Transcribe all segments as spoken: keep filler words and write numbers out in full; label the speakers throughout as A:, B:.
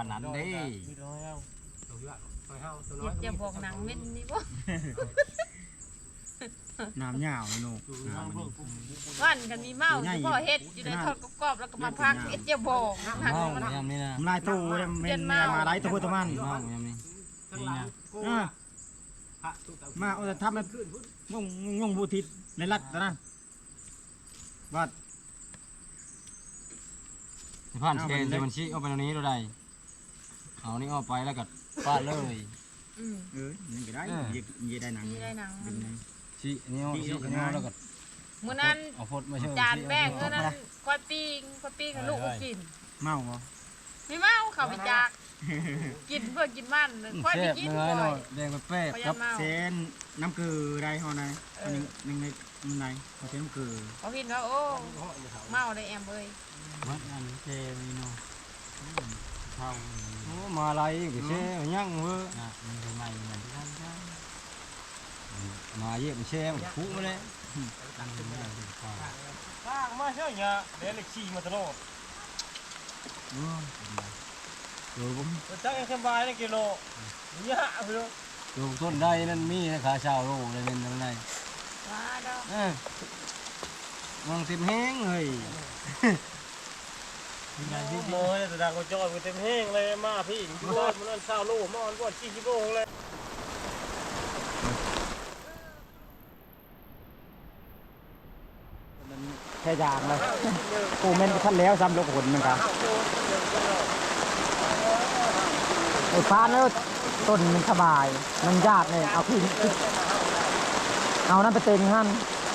A: นนั้นเด้
B: อย่าบอกหนังเว้นนี่บ่
C: น้ำยาวเนาะ
B: วันกันมีเมาพ่อเฮ็ดอยู่ในทอดกรอบๆแล้วก็มาพักเอ็ดอย่าบอกหนังมัน
A: ยามนี้นะ
C: ลายตู้เม่นมาไล่ตัวตัวมัน
A: เมายามนี้นี่นะ
C: มาเอาแต่ทำแบบงงงงบูทิศในรัฐนะวัด
A: สิผ่านสแกนที่มันชี้เอาไปตรงนี้ดูได้เอานี่เอาไปแล้วก็ฟาดเลย
B: อืม
C: เออนี่ก็ได้ยี่ได้หนัง
B: นี่ได้หนัง
A: ชี้อันนี้เอาชี้อันนี้เอาแล้วก็
B: มื้อนั้น
A: เอาพดมาเชื่อ
B: จานแบ่งเงินนั้นก้อยปิ้งก้อยปิ้งกับลูกกิน
C: เมาบ่
B: ไม่เมาเขาไปจากกินเพื่อกินมันค่อยไป
A: แซ่บ
B: กิน
A: เนื้อ
B: ก่อ
A: เนาะ
B: ย
A: แดงแป๊บ
B: เขา
A: ๆ
B: อ
A: ครั
B: ย่า
A: บ
B: เมา
C: เส้นน้ำเกลือได้เฮาไหนอันนึงนึงในมันไหนเขาเส้นน้ำเกลือ
B: เขาพินว่าโอ้เมาได้แอมเอ้ย
A: มัดอันเจมีเนาะเข้าโอ้มาอะไรก็เช่ยังเว้อนะมันทำไมมันมาเยี่ยมเช่มันคุมาเลยตั้งเป็นแม่ดีกว่า
D: ข้างมาเช่เนี่ยเดี๋ยวเล็กขี่มาตลอด
A: โอ้ยโดยผม
D: จักยังสบายเลยกิโลเนี่ยเพื่อ
A: โดยต้นได้นั่นมีขาชาวโลเลยเป็นยังไง
B: ว้าดอก
A: เออมองเต็มแห้งเลย
D: โม่เนี่ยแต่ดังก็จอดเต็มแห้งเลยมาพี่อยู่บ้านมันนั่นเศร้าลูกมอนก่อนขี้ชิโบ้เลย
C: แค่ยางเลยโอ้แม่นท่านแล้วซ้ำลูกหนมันครับไอ้ฟ้าแล้วต้นมันสบายมันยากเลยเอาพี่เอานั่นไปเต็งหั่น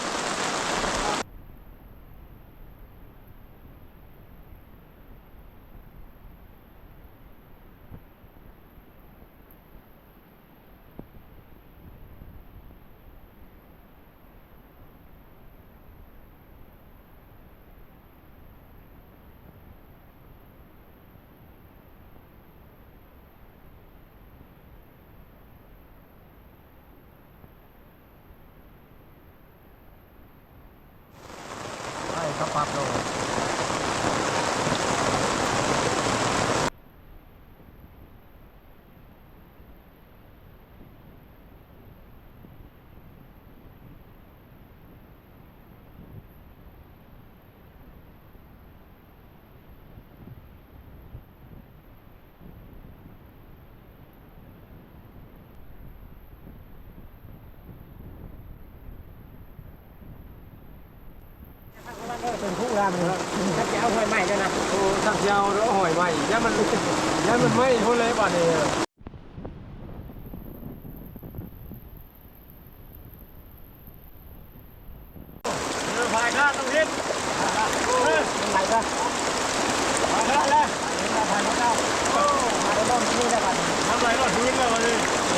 C: เขาปรับโลเป็นผู้รามันถ้าจะเอาหอยใหม่ด้วยนะ
D: โอ้ทักยาวแล้วหอยใหม่ย่ามันย่ามันไม่ทุเลยบ้านนี้พายข้างต้องฮิต
C: เป็นไรก็
D: พายข้างแล้ว
C: ผ่านแล้วโอ้มาได้บ้างนี่ได้บ้าง
D: ทำไรก็ทิ้งเลยวันนี้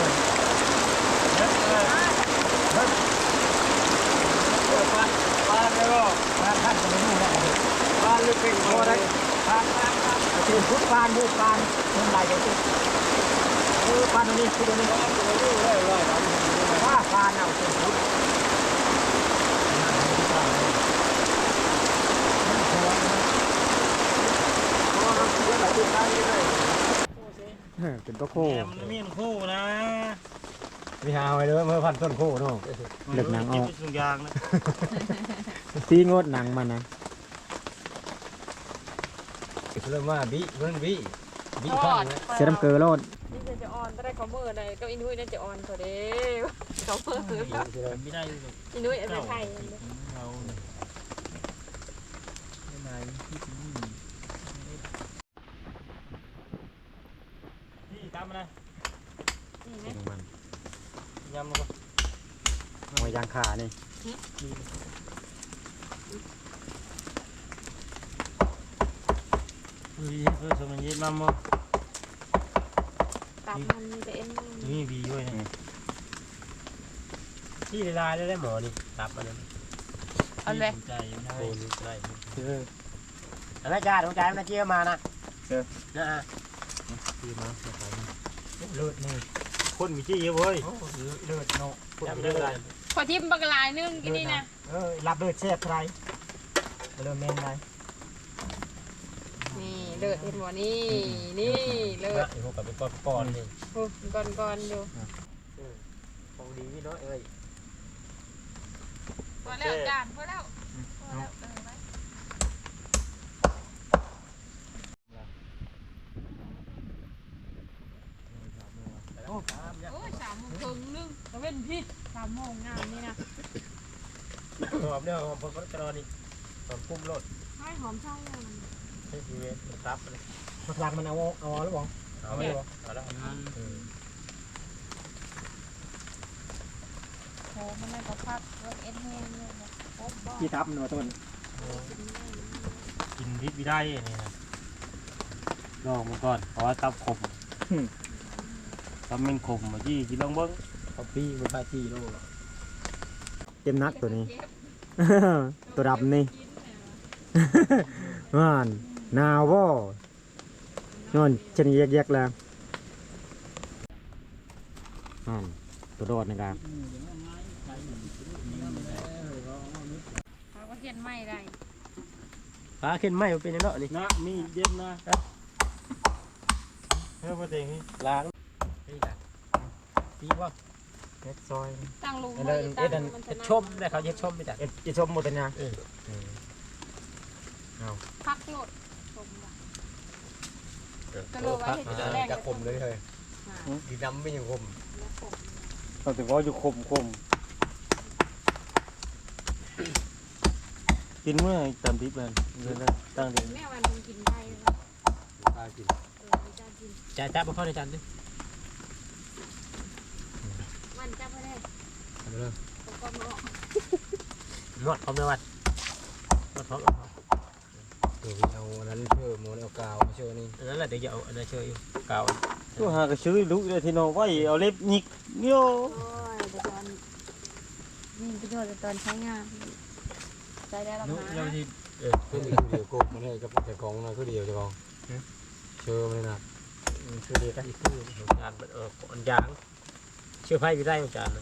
D: ปลาปลาเลยก็
C: งานท่านจะไม่รู้นะ
D: ปลาลึกเป็นพอได้
C: ทางทางทางคือพุทธานพุทธานเป็นไรกันสิคือปานนี้คือตัวนี้ว่าปานเอาเป็นพุทธเป็นตัวโค้
D: มันมีนคู่นะ
C: มีหาไว้เลยเมื่อพันต้นโค้เนาะเลือกหนังออก
D: ทุกอย่างนะ
C: ตีงดหนังมันนะ
A: เริ่มว่าบิเพิ่นบิบิ
B: ท
A: ข้า
B: อง ด
A: เลย
C: เสียน้ำเกลือโลด
B: นี่จะอ่อนได้ก็มือได้ก็อินุ้ยน่าจะอ่อนกว่าเด้เขามือ
D: ไม่ได้
B: อินุ้ยเอาไปไทย
D: เราที่ตามมาเลย
B: นี่ไหม
D: ยำมันก็
C: หอยยางขานี่
D: เฮ้ยเพื่อสมัยนี้มาหมด
B: ตับมันมีแต่เอ็น
D: นี่บีด้วยนะที่ลายได้หมอนี่ตับมาเลย
B: เอาเลย
D: ใจโคนใจ
C: อะไรจ้าดวงใจมันเชี่ยวมานะเจอนะฮะ
D: ที่มาเลือดนี่คนมีจี้เยอะเว้ย
C: เลือดเนาะ
D: คนมีเลือดอะไร
B: พอทิมบักลายนึงกินนี่นะ
C: เออรับเลือดแซ่บไรเลือดเมนไร
B: นี่เลิศเห็นบ่นี่นี่เลิศ
D: ไอ้พวกกับเป็นก้อนๆนี่
B: โอ้ก่อนก่อนอยู่
D: ของดีพี่น้อยเอ้ย
B: พอแล้วจานพอแล้วพอแล้วเออไว้โอ้ยสามโมงครึ่งนึงตะเว้นพี่สามโมงงานนี่นะ
D: หอมเนี่ยหอมพอจะรอนี่หอมกุ้มรส
B: ให้หอมเช่าเลย
D: ให้ทีเวสซับเลย
C: มันหลักมันเอาเอาหรือเปล่า
D: เอาไม่บอกเอาแล้ว
B: โอ้มันน่าจะพักรถเอ็นแห้งเลยนะโอ้บ้า
C: ที่ทับมันว่าต้น
D: กินพิษไม่ได้นี่นะลองมันก่อนเพราะว่าตับขมตับมันขมมาจี้กินลองเบิ้ง
C: เขาปี้มันพาจี้โลเต็มนักตัวนี้ ตัวดำนี่ ว่านนาวบ่นอนชนิดแยกๆแล้วอ่านตัวโดดนะครับ
B: เขาก็เห็นไม่ได้
D: ปลาขึ้นไหมมันเป็นยังไงนี่นะมีเด็ดนะเฮ้ยพอเต็งนี่ล้างนี่จ้ะปีว่าเฮ็ดซอย
B: ตั้งลุง
C: เอ็ดเอ็ด
B: มัน
C: เอ็ด
B: จะ
C: ชมได้เขาเย็ดชมไปจ้ะเอ็ดเอ็ดชมหมดเลยนะ
B: พักโหลดชมว่ะก็เลยไว้ให้ตัวแรก
C: จะคมเลยเฮ้ยดีดำไม่ยังคม
D: เอาแต่ว่าอยู่ขมขมกินเมื่อจำทิพย์เลยเลยนะตั้งเดือน
B: แม่วันมึงกินได้แล้ว
C: ตากิน
B: เออจ้ากิน
C: จ่าจับมาเข้าในจานดิ
B: มันจ้าไม่ได้
C: ทำเลย
B: ผมก็ไม่ออก
C: นวดพร้อมเลยวัดนวดพร้อมเดี๋ยวเอาอันนั้นเชื่อโมนเอากาวมาเชื่อนี่อันนั้นแหละเดี๋ยวเอาอันนั้นเชื่ออยู่กาว
D: ตัวหากระชื้อลุกเลยที่น้องไว้เอาเล็บหยิกโย่
B: โอ้ยแต่ตอนนี่ประโยชน์แต่ตอนใช้งานใช้ได้แล้วนะ
C: เออเป็นอีกเดียวกบมันให้กับแต่ของนะก็เดียวจะกองเชื่อมันเลยนะเชื่อเดียวกันอีกคือ
D: งานเอออันยางเชื่อไพ่ไปได้อาจารย์นะ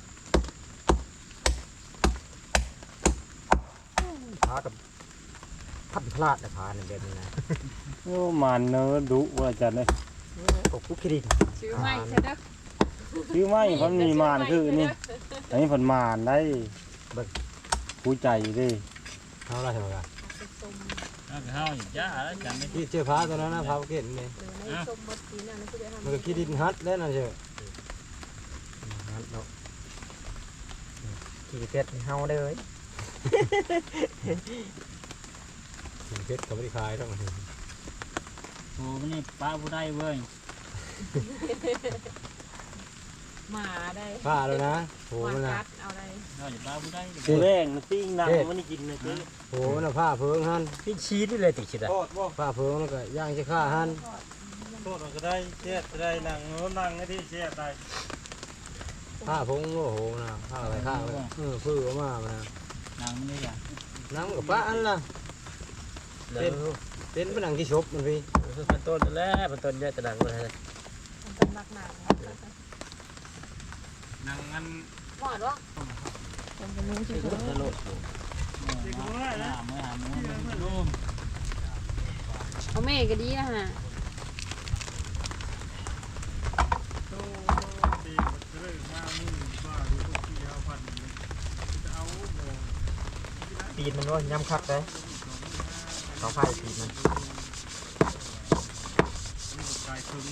C: พากับพัดพลาดนะพาเนี่ยแบบนี้นะ
D: โอ้มันเนอดุว่าอาจารย์เลย
C: กบคุกคิริน
B: ชื่อไม่ใช่เด้อ
D: ชื่อไม่พันมีมานคือนี่อันนี้พันมานได้ผู้ใจดิ
C: เท่าไรเท่าไร
B: ส้ม
A: ข้าวอย่างจ้าแล้วจำไม่
C: ที่เจอพาตัวนั้นนะพาเก็ตนี่
B: หรือในส้มบดสีนั่นคือเดี๋ยวทำ
C: มันก็คิรินฮัทแล้วนะเชื่อฮัทเนาะขี่เป็ดเฮาได้เลยขี่เป็ดเขาไม่ได้ขายต้อง
A: โอ้นี่ป้าผู้ได้เว้ย
B: หมาได้
C: ผ้าแล้วนะโห
B: หมา
C: มันนะ
B: กัดเอาได้
A: เราจะป้าผู้ได้
D: ตัวแรงนะปิ้งนังมันนี่กินนะเจ๊
C: โหมันผ้าเพิงฮันพี่ชีสเลยติดชิดอ่ะ
D: โทษบ่
C: ผ้าเพิงแล้วก็ย่างจะฆ่าฮัน
D: โทษก็ได้เจ๊ได้นังโน้นังที่เจ๊ได้
C: ผ้าพงโอ้โหนะผ้าอะไรผ้าอะไรเออพื้นมามา
A: นางนี่อ่ะ
C: น้ำกับป้าอันล่ะเป็นเป็นผนังที่ชบมันพี่
D: เป็นต้นแล้วเป็นต้นเนี่ยจะดังเลย
B: มันเป็นมักหนา
A: นางงั้น
B: หวานวะผมจะนุ่งชิว
D: จะโลด
A: หาเมื่อหาเมื่อมันร่ม
B: เอาแม่ก็ดีนะฮะ
C: ปีนมันว่าย้ำคักเลยเขาไฟปีนมัน
D: ตายถึง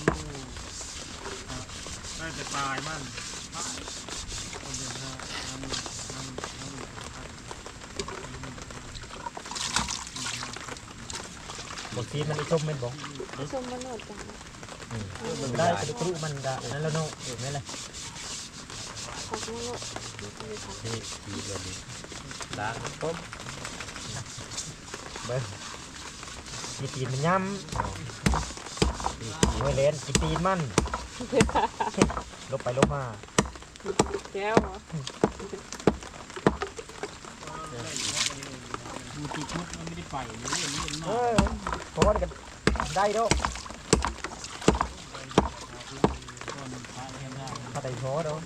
D: ได้แต่ตายมัน
C: บางทีมันชมมันบอก
B: ชมมันหนวดจัง
C: มันได้กระดูกมันได้นั่นแล้วเนาะเห็นไหมล่ะ
B: ขอบคุณลูก
C: นี่ปีนแบบนี้ล้างต้มเบิ้งกีตีนมันย้ำตีไม่เล่นกีตีนมันลบไปลบมา
B: แก้วเหรอ
A: ดูติดมุกมันไม่ได้ไปเลยนี่มัน
C: เอ
A: มา
C: อเพราะว่ากันได้ด้วย
A: ก่อนพาเทียมได้
C: ถ้าได้พอด้วย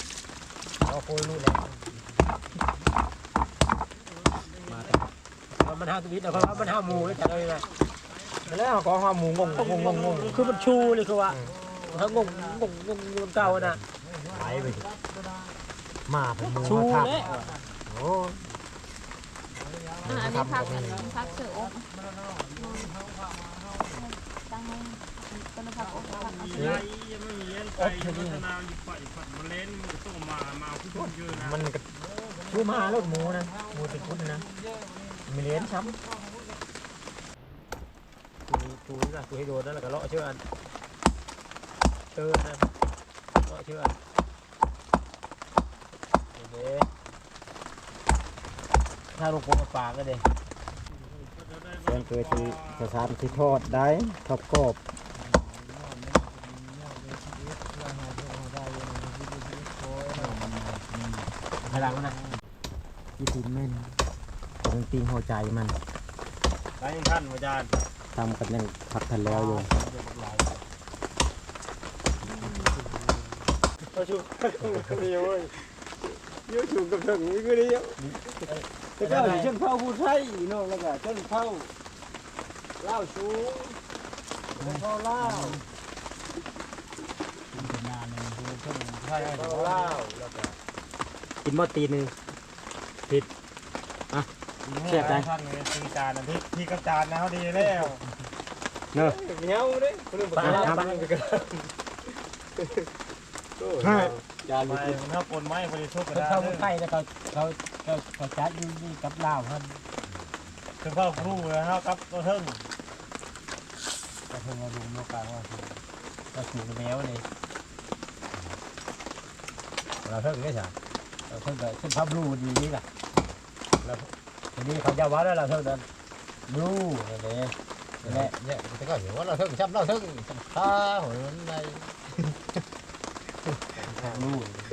C: เอาโคยรู้แล้วมาแต่ก็มันห้าชีวิตแล้วมันห้าหมูเลยจัดเลยนะแล้วก็ห้าหมูงงงงงงคือมันชูเลยคือว่าถ้างงงงงงเก่านะไหลไปมาเป็นหมูชูเลยโอ้
B: อันนี้พักอันนี้พักเสืออบตั้งไว้ต้นพักอบพักเอาเสือ
C: มันก็ชูมาแล้วหมูนะหมูติดคุดนะมีเลี้ยงช้ำชูชูนี่ละชูให้โดนนั่นแหละก็เลาะเชื่ออันเตือนนะเลาะเชื่ออันเด้ถ้าลูกโป่งปากก็เด้เพื่อนเคยที่สถานที่ทอดได้ทอดกรอบพลังนะยี่สิบเมตรเป็นตีหัวใจมันได้ท่านอาจารย์ทำกันยังพักทันแล้วอยู่ก็ชูก็ดีเว้ยยืดชูกับถึงนี่ก็ดีแต่ก็เช่นเผาผู้ไทยเนาะแล้วก็เช่นเผาเล่าชูเผาเล่าเป็นงานหนึ่งคือเช่นไทยเผาเล่าแล้วก็กินหม้อตีนึงผิดอ่ะเสียบได้ท่านเลยตีจานนะพี่พี่กับจานนะเขาดีแล้วเนอะเงี้ยวดิคนนึงบอกว่าตั้งไปกันจานไปถ้าปนไม้บริสุทธิ์ก็ได้เขาไทยแต่เขาเขาเขาเขาจัดอยู่นี่กับลาวท่านคือพ่อครูเลยครับกับตัวเทิงตัวเทิงเราดูโลกาว่าเราสูงแมวเลยเราเทิงได้ใช่เราเทิงก็ขึ้นภาพรูดีนี่แหละแล้วทีนี้เขาจะว่าได้เราเทิงนั้นรูนี่เลยนี่แหละเนี่ยแต่ก็เห็นว่าเราเทิงช้ำเราเทิงตาหัวมันในรู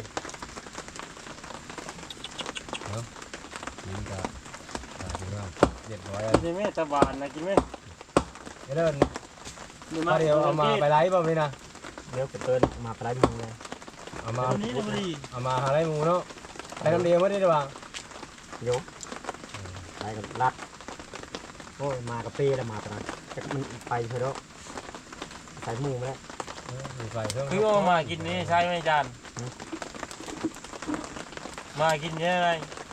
C: นี่ก็กินว่าเด็ดร้อยกินไหมตะบานนะกินไหมเดินเดี๋ยวเอามาไปไล่บ่พี่นะเดี๋ยวเดินมาไปไล่มึงเลยเอามาเอามาหาไล่มูเนาะไปน้ำเดียวไม่ได้หรือเปล่าโยกไปกับรัดโอ้ยมากับปีแล้วมาไปนะแต่มันไปเถอะใส่มูมาแล้วไปเพิ่มคือว่ามากินนี่ใช่ไหมจานมากินยังไง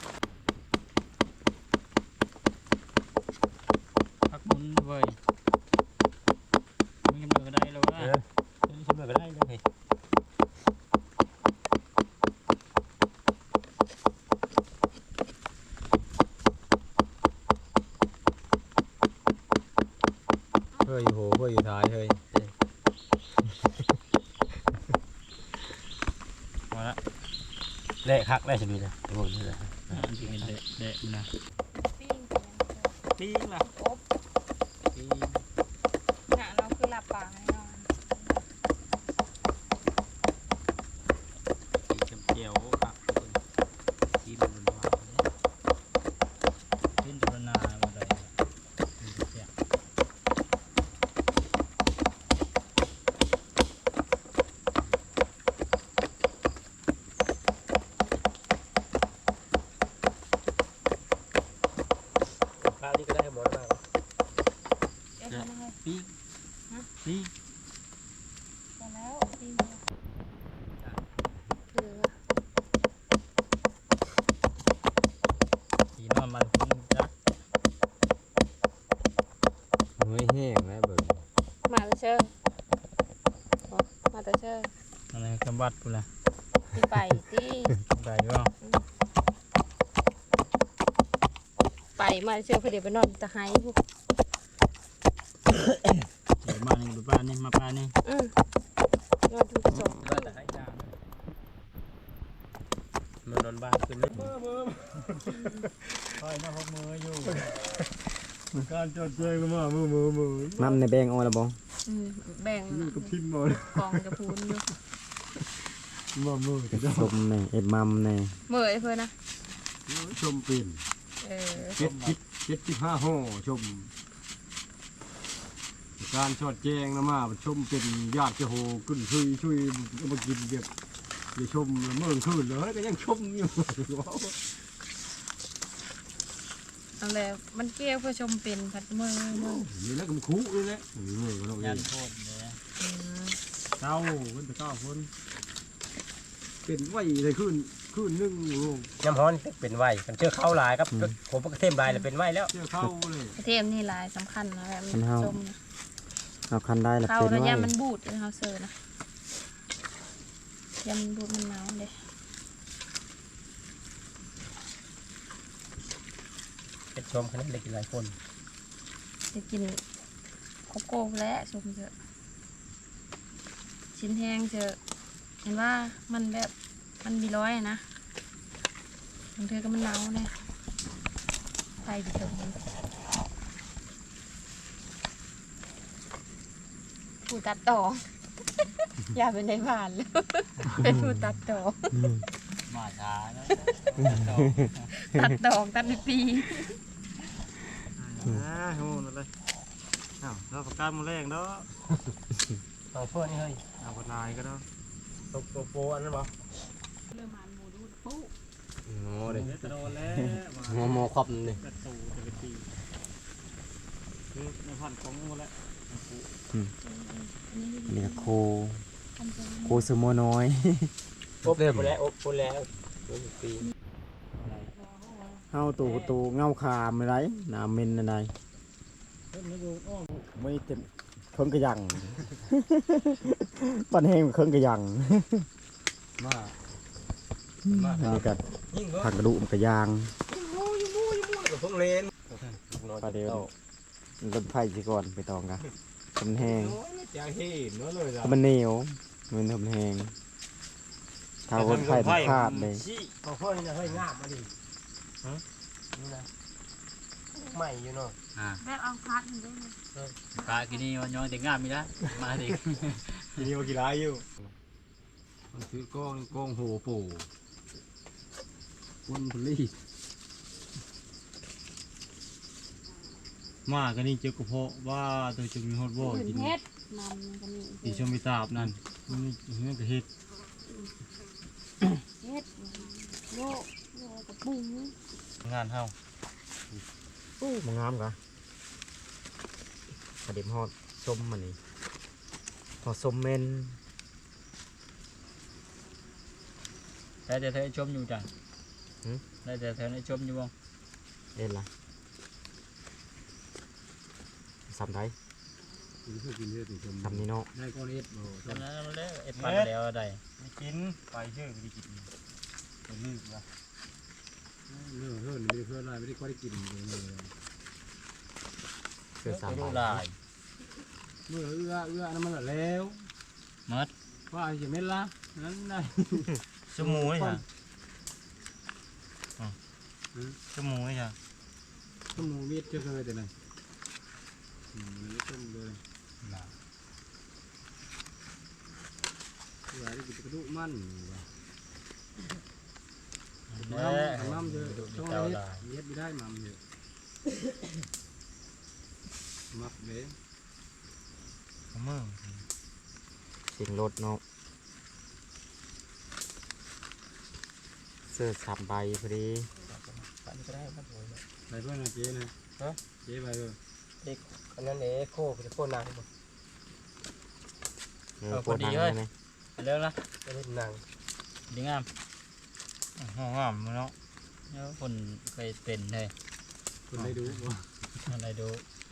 C: พักมุนเว้ยมีมือก็ได้แล้วนะมีมือก็ได้เลยเฮ้ยโหเฮ้ยท้ายเฮ้ยมาละเละคักได้ใช่ไหมนะโอ้ยนี่แหละจริงเละเละนะปิ้งปิ้งล่ะอบปิ้งน่ะเราคือหลับปากให้นอนสีเขียวครับสีมันมันวาวปิ้งจุลนามาได้นี่ก็ได้หมดมากปีปีแล้วปีสีนอนมันคุ้มจักไม่แห้งนะเบิร์มาแต่เชิงมาแต่เชิงอะไรกำบัดกูละที่ไปที่ไปว่าไปมาเชื่อพอดีไปนอนจะหายพวกเดี๋ยวมานี่ดูปลานี่มาปลานี่อืมนอนทุกสองมันนอนบ้านขึ้นเลยมือมือคอยน้าพกมืออยู่การจดเจงมามือมือมือน้ำในแบงเอาละบ้องแบงกับพิมพ์หมดกองจะพูนอยู่มือมือชมในเอ็ดมัมในมือไอ้เพื่อนนะชมปิ่นเจ็ดสิบเจ็ดสิบห้าห่อชมการชอดแจงนะมาชมเป็นญาติเจ้าโหขึ้นช่วยช่วยมากินเด็กอย่าชมเมื่อคืนเลยก็ยังชมอยู่
B: เอาแล้วมันเกี่ยวเพื่อชมเป็นผัดมือมือ
A: นี่แล้วก็มันคุเลยแหละเออเราเอ
D: ยั
A: ง
D: นโทษเลย
B: อืม
A: เก้าเพิ่นไปเก้าคนเป็นไว้เลยขึ้นขึ้นนึ่งโลง
C: น้ำฮ้อนเป็นไว้มันเชื่อเข้าลายครับผมก็เทมลายเลยเป็นไว้แล้ว
A: เชื่อเข้าเลย
B: กระเทียมนี่หลายสำคัญนะแบบมัน
E: มันเฮา
B: ชมนะ
E: เอาคันได้ละ
B: เข้า
E: เป็น
B: แล้ว
E: ไว้
B: ยามันบูดเลยเขาเสิร์ฟนะยามันบูดมันหนาวเลย
C: เป็นชมคณะเด็กหลายคน
B: จะกินโกโก้แล้วชมเถอะชิ้นแห้งเถอะเห็นว่ามันแบบมันมีร้อยนะบางเธอก็มันหนาวเนี่ยไฟดิเถอะผู้ตัดต่อ อย่าเป็นในบ้านเลย เป็นผู้ตัดต่อ
D: มาช้านะ
B: ตัดดอกตัดเป็นปี
A: อ่าโหนั่นเลยอ้าวเราประกาศมื้อแรกเนาะ
C: เอาเพื่อนนี่เฮ้ย
A: เอาบ่นายก็เนาะ
C: ตกตัวโปอันนั้นบ่
B: เริ่มมันหมูดูปุ๊บ
E: โอ้เด้
A: เดี๋ยวจะโดนแล้ว
E: หัวหมอครอบนี่
A: กระตูจะไปตีคือในพันของหมดแล้ว
E: อันนี้ก็โคโคสโมน้อย
C: อบเริ่มแล้วอบปุ่นแล้วปี
E: เฮาตูตูเงาคามอะไรน้ำเมนอะไรไม่เต็มเครื่องกระยัง ปันแห้งเครื่องกระยัง
A: มา
E: อันนี้ก็
C: ยิ่งก็
E: ผักกระดูกมันกระยาง
C: กับพวกเลน
E: ปลาเดียวรถไฟสิก่อนไปตองกันมันแห้ง
A: จะเห็นว่าเลยจ้ะ
E: มันเหนียวมันทำแห้งถ้ารถไฟมันขาดเลย
C: ชี้เอาเพื่อนนี่นะเฮ้ยงาบมาดิฮะนี่นะใหม่อยู่เนาะ
D: อ่า
B: แบบเอาพัดมันได้ไหม
D: ปลากินนี่วันย้อนแต่งงานมีละมาดิ
A: มีว่ากี่ไรอยู่มันคือกล้องกล้องโหปู่คุณพลีมากันนี่เจ้ากระเพาะว่าตัวจะมีฮอตบ่
B: อื่น
A: กิน
B: เฮ็ดมันก็มี
A: ตีชมไปตาบนั่นนี่นี่ก็เฮ็ด
B: เฮ็ดโยกโยกกับปุ้ง
D: งานเฮา
E: อู้มันงามกะกระเด็มฮอดส้มมันนี่ฮอดส้มเมน
D: แต่แต่เธอชมอยู่จ้ะได้แต่เธอได้ชมอยู่บ้าง
E: เล่นละสามได้สามนี่เนาะ
A: ได้ก้อนเอ็ดบ่
D: ตอนนั้นเราได้เอ็ดปันแล้วได้
C: ไม่กินไปเชื่อไม่ได้กินเป็นลืมละ
A: เรื่องเพื่อนไม่ได้เพื่อนอะไรไม่ได้ก็ได้กินเลย
E: เกิดสาม
D: ดู
E: ใบ
D: ลาย
A: เมื่อเอื้อเอื้อนั่นมันแล้ว
D: มัด
A: ว่าจะไม่ละนั้นได้
D: ชั่วโมงนี่จ้ะชั่วโมงนี่จ้ะ
A: ต้มหมูเวียดเจอเคยแต่ไหนอืมมันต้มเลยเอื้อได้กินกระดูกมันว่ะ
D: แน่
A: น้ำเยอะ
D: ดู
A: ต้อง
D: เจ้า
A: เฮ็ด
D: ลาย
A: เฮ็ดไม่ได้น้ำเยอะมักเลย
D: มึง
E: เสียงรถเนาะเสื้อสามใบพอดี
C: ปันก็ได้ครับผม
A: ไปเพื่อนนะเจ๊นะ
C: ฮะ
A: เจ๊ไปเออ
C: เด็กอันนั้นเอ๋โคเป็นโคนนางบ่
E: เออปวดหนังเลยไหม
D: เลิกละ
C: ไม่ได้นาง
D: ดีงามห้องงามเนาะแล้วคนเคยเป็นเลย
A: คนได้ดูบ่
D: อะไรดู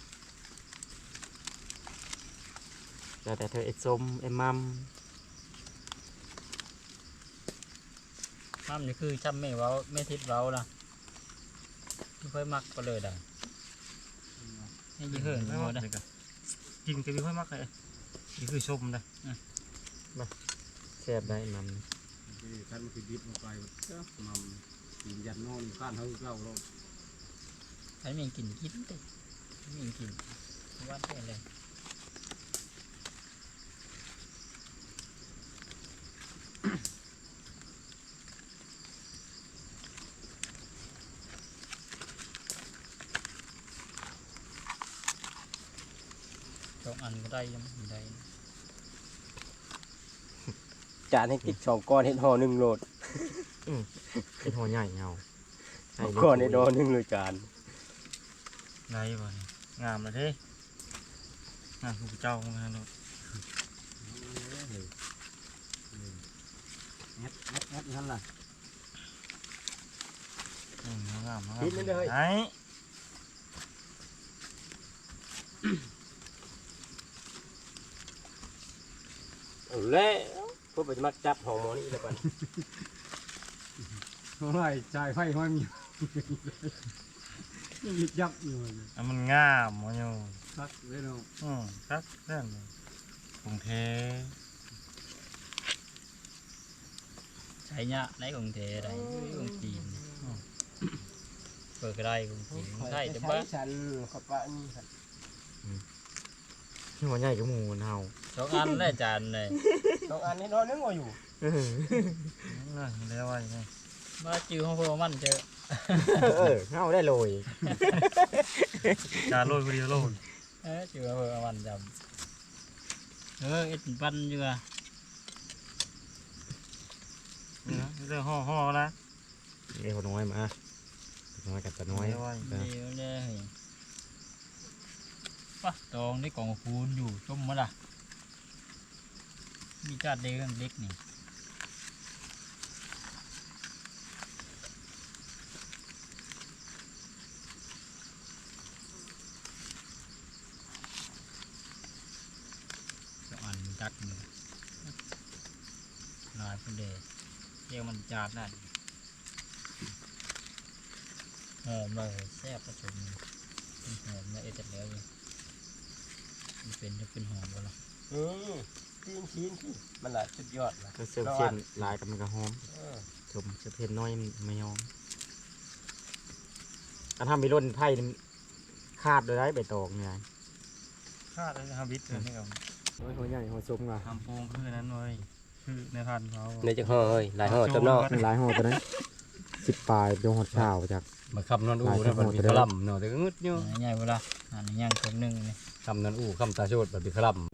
E: แต่แต่เธอเอ็ดส้มเอ็มมัม
D: ห้ามนี่คือจำไม่เว้าไม่ทิพเว้าล่ะไม่ค่อยมักก็เลยได้ให้ยี่เหินไม่หมดได้
A: จริงจะมีค่อยมักเลยนี่คือชมนะ
E: แซ่บได้มัน
A: ท่านมันคือดิบลงไปมันกินยันนอนข้านเท่าเก่าเรา
D: อันนี้มีกลิ่นกินเต้มีกลิ่นวัดได้เลยสองอันก็ได้ยังไม่ได้
C: จานให้กินสองก้อนเห็ดห่อหนึ่งโหลด
E: เป็นหัวใหญ่เงา
C: ก้อนเห็ดห่อหนึ่งโหลดจาน
E: เ
C: ไรบ่นี่งามเลยเด้งามผู้เจ้าของงานเนาะ
A: เฮ็ดเฮ็ดเฮ็ดนั่นล่ะ
C: อืมงามงาม
A: ปิดมันเลย
C: ไอ้
E: เอาแล้วพวกไปมักจับหอมหมอนี่แล้วกัน
A: โอ้ยจ่ายไฟห้อยมียังยิบยับอยู่เลย
C: อันมันงามบ่อยู่
A: คักเลยเนาะ
C: อืมครับนั่นเลยกรุงเทพ
D: ใช้ยะในกรุงเทพได้กรุงจีนเปิดก็ได้กรุงจีนใช่แต่ว่า
E: ฉันขับปะนี่ค่ะ
C: หัวใหญ่กับหมูเฮา
D: สองอันได้จานเลย
E: สองอันนี้นอนนึงว่าอยู่
C: นั่นเรียกว่ายังไง
D: มาจื้อของพวกมันเจอ
C: เออเฮาได้โรยจานโรยคนเดียวโรย
D: เออจื้อของพวกมันจำเออเอ็ดปั้นอยู่อะ
C: นี่นะเรื่องห่อห่อนะ
E: เอ้คนน้อยมาน้อยกับตาน้อย
C: เรียกว่า
D: เดี๋ยวเนี่ยเฮ้ยปะตองได้กล่องคูณอยู่ชมมาล่ะมีจานเล็กเล็กนี่สองอันจัดมือลายพุ่นเดชเรียกมันจานนั่นหอมเลยแซ่บผสมหอมเลยเอเด็ดแล้วอยู่มันเป็นจะเป็นหอมบ่ล่ะ
E: อืมชิ้นชิ้นที่มันละสุดยอดนะ
C: ก็เสียบเส้นลายกับมันก็หอม
E: เออ
C: ชมเสียบเส้นน้อยไม่ยอมอันทำมีร่นไผ่นี่คาดโดยได้ใบตองไงคาดเลยนะครับวิทย์เลยนี่ครับ
E: หัวใหญ่หัวซุ้มว่ะ
C: ทำโปงคือนั้นเลยคือในพันธุ์เขา
E: ในจังห่อเอ้ยหลายห่อตัวนอก
C: หลายห่อตัวนั้นสิบปลายเป็นหอดข้าวจาก
F: มาคำนอนอู่นะบัดมีขลัมเนาะแต่ก็งึดอยู่
D: ใหญ่เวลาอันนี้ย่างคนหนึ่งนี่
F: คำนอนอู่คำตาโชดบัดมีขลัม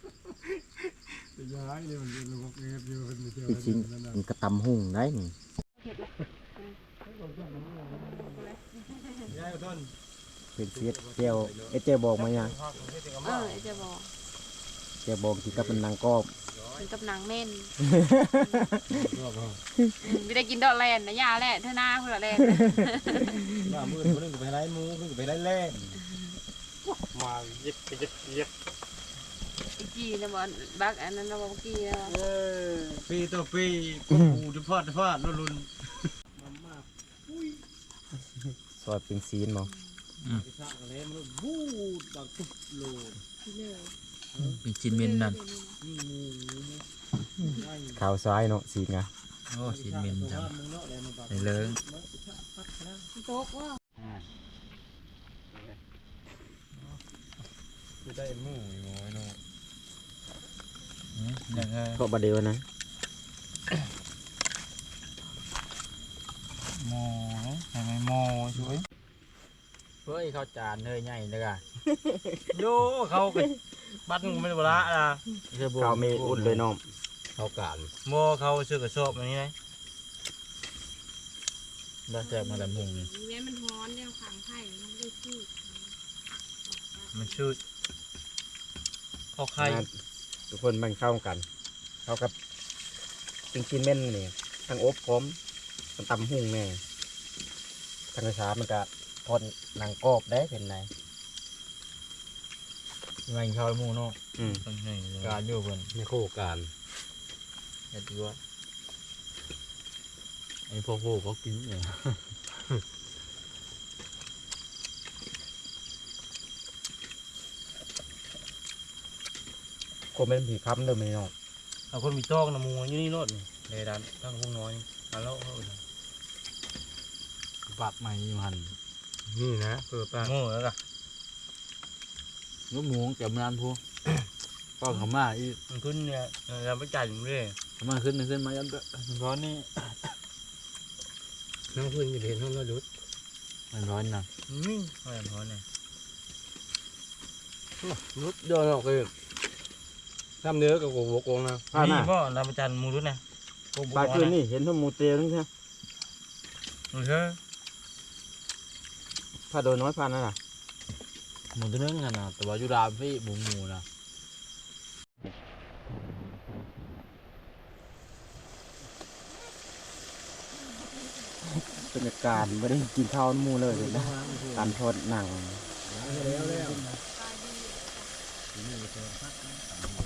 A: ย้ายเลยมันเป็นลูกเอ็ดอยู่เป็นเจ้า
E: จริงมันกระตำหุ่งได้นี่
A: ย้ายต้น
E: เป็นเสียดเจียวเอเจียวบอกมายัง
B: เออจะบอก
E: เจียวบอกที่กับเป็นนางกอบ
B: ถึงกับหนังเม่นไม่ได้กินดอกแลนนะยาแหละเธอหน้าเพื่อแลน
A: หน้ามือคนนึงก็ไปไล่มูคนนึงก็ไปไล่แล่มาเย็บไปเย็บเย็บ
B: อีกกีนะบอลบักอันนั้นนะบอลกีนะบอล
A: ปีต่อปีก็ปูจะพอดจะพอดรุนรุน
E: ซอยเป็นซีนบ่
A: ข้างอะไรมันบูดดังตุบโลด
D: เป็นชิ้นเมนนั่น
E: ขาวซ้ายเนาะซีนไง
D: โอ้ชิ้นเมนจังในเลิ้ง
B: โต๊ะว่า
C: คือได้หมูอยู่น้อยเนาะ
D: ยังไง
E: ก็บาเดียวนะ
C: หมอทำไมหมอช่วย
D: เฮ้ยข้าวจานเฮ้ยใหญ่เลยอ่ะ
C: โย่เขาไปบัดงูไม่ได้บละอ่ะ
E: ข้าวเมอุ่นเลยน้อง
F: เข้าการ
C: หมอเขาซื้อกระสอบอันนี้ไง
D: บ้าแจกมาแต่มุงนี่
B: แม่มันฮ้อนเนี่ยขังไข่มันได้ชื่อ
C: มันชื่อข้าวไข่
E: ทุกคนมันเข้ากันเข้ากับจริงกินเม่นนี่ทั้งอบพร้อมทั้งตำหุ่งแน่ทั้งกระชามันก็ทอดหนังกรอบได้เป็นไง
C: ไงข้าวหมูเนาะ
E: อืม
C: ตรงไหนเลย
D: การอยู่บน
F: ในโคการ
D: เห็ดด้วย
F: ไอ้พ่อโคเขากินเนี่ย
E: คนเป็นผีค้ำเดิมไม่น้อง
C: เอาคนมีจ้องนะหมูอยู่นี่โนดนี่เลยดันตั้งพวกน้อยอันแล้วเอาเลย
F: ปัดใหม่อยู่หันนี่นะเปิดปาก
C: หมูแล้วก็
F: ลูกหมูแกมนานพูก็เขามาอี
C: มันขึ้นเนี่ยเราไปจ่ายอยู่เรื่อย
F: เขามาขึ้นขึ้นมายันเด้อ
C: ร้อนนี่
F: น้องขึ้นอยู่เห็นห้องเราดุดมันร้อนนะ
C: นี่ไม่ร้อนเนี่ย
F: ดุดเดินออกเลยทำเนื้อกับโกโบกงนะ
E: ผ้าห
C: นี่
E: น้า
C: ก็เราไปจ่ายหมูรุ่นนะ
E: ปลาคืนนี่เห็นทั้งหมูเตียวนั่นใช่
C: โอเค
E: ผ้าโดยน้อยผ้านั่นน่ะ
A: หมูตัวนึงกันนะแต่ว่าอยู่ดามพี่หมูหมูนะ
E: บรรยากาศไม่ได้กินข้าวน้ำหมูเลยเลยนะการทอดหนัง
C: แล้วแล้ว
B: ตายดี